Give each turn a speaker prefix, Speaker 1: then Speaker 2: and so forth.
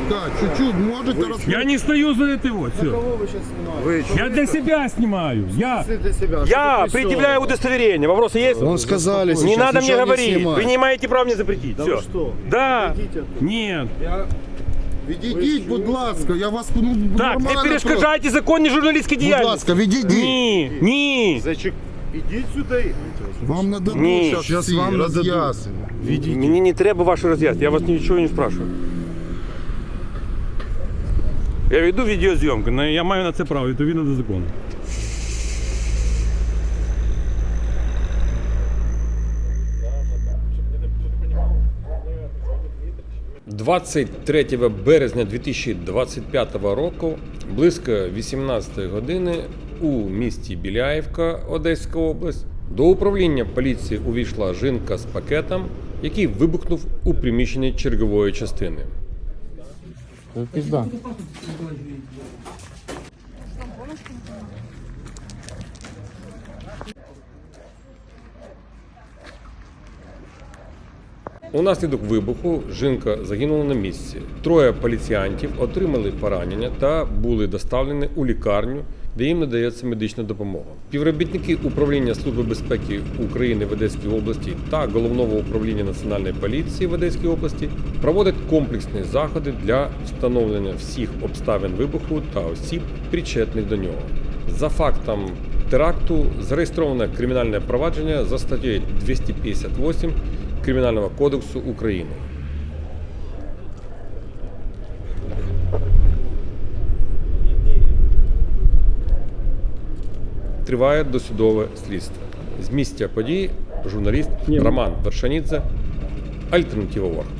Speaker 1: опускать. Чуть-чуть, можете рассказать.
Speaker 2: Я не стою за это вот, все.
Speaker 3: Кого вы сейчас снимаете?
Speaker 2: Я для себя снимаю. Я
Speaker 3: Для себя.
Speaker 4: Я предъявляю удостоверение. Вопросы есть?
Speaker 1: Вон сказали
Speaker 4: Не
Speaker 1: сейчас,
Speaker 4: надо мне
Speaker 1: ничего не
Speaker 4: говорить.
Speaker 1: снимать.
Speaker 4: Вы не имеете права мне запретить.
Speaker 3: Да
Speaker 4: Все.
Speaker 3: вы что?
Speaker 4: Да.
Speaker 3: Идите оттуда.
Speaker 2: нет.
Speaker 1: Відійдіть, будь ласка, я вас
Speaker 4: Так, не
Speaker 1: нормально
Speaker 4: перешкоджайте законні журналістські
Speaker 1: прошу. Будь
Speaker 4: діяльності.
Speaker 1: ласка, відійдіть.
Speaker 4: Ні, ні.
Speaker 3: Идите сюда и...
Speaker 1: Вам нададуть
Speaker 4: Ні.
Speaker 1: зараз всі роз'яснення.
Speaker 4: Мені не треба ваші роз'яснення, я вас нічого не спрашиваю. Я веду відеозйомку,
Speaker 2: Но я маю на це право, відповідно до закону.
Speaker 5: – 23 березня 2025 року близько 18 години у місті Біляївка, Одеська область, до управління поліції увійшла жінка з пакетом, який вибухнув у приміщенні чергової частини. Унаслідок вибуху жінка загинула на місці. Троє поліціянтів отримали поранення та були доставлені у лікарню, де їм надається медична допомога. Співробітники управління Служби безпеки України в Одеській області та Головного управління Національної поліції в Одеській області проводять комплексні заходи для встановлення всіх обставин вибуху та осіб, причетних до нього. За фактом теракту зареєстроване кримінальне провадження за статтею 258 Кримінального кодексу України. Триває досудове слідство. З місця події журналіст Роман Вершанідзе, Альтернатива Ворг.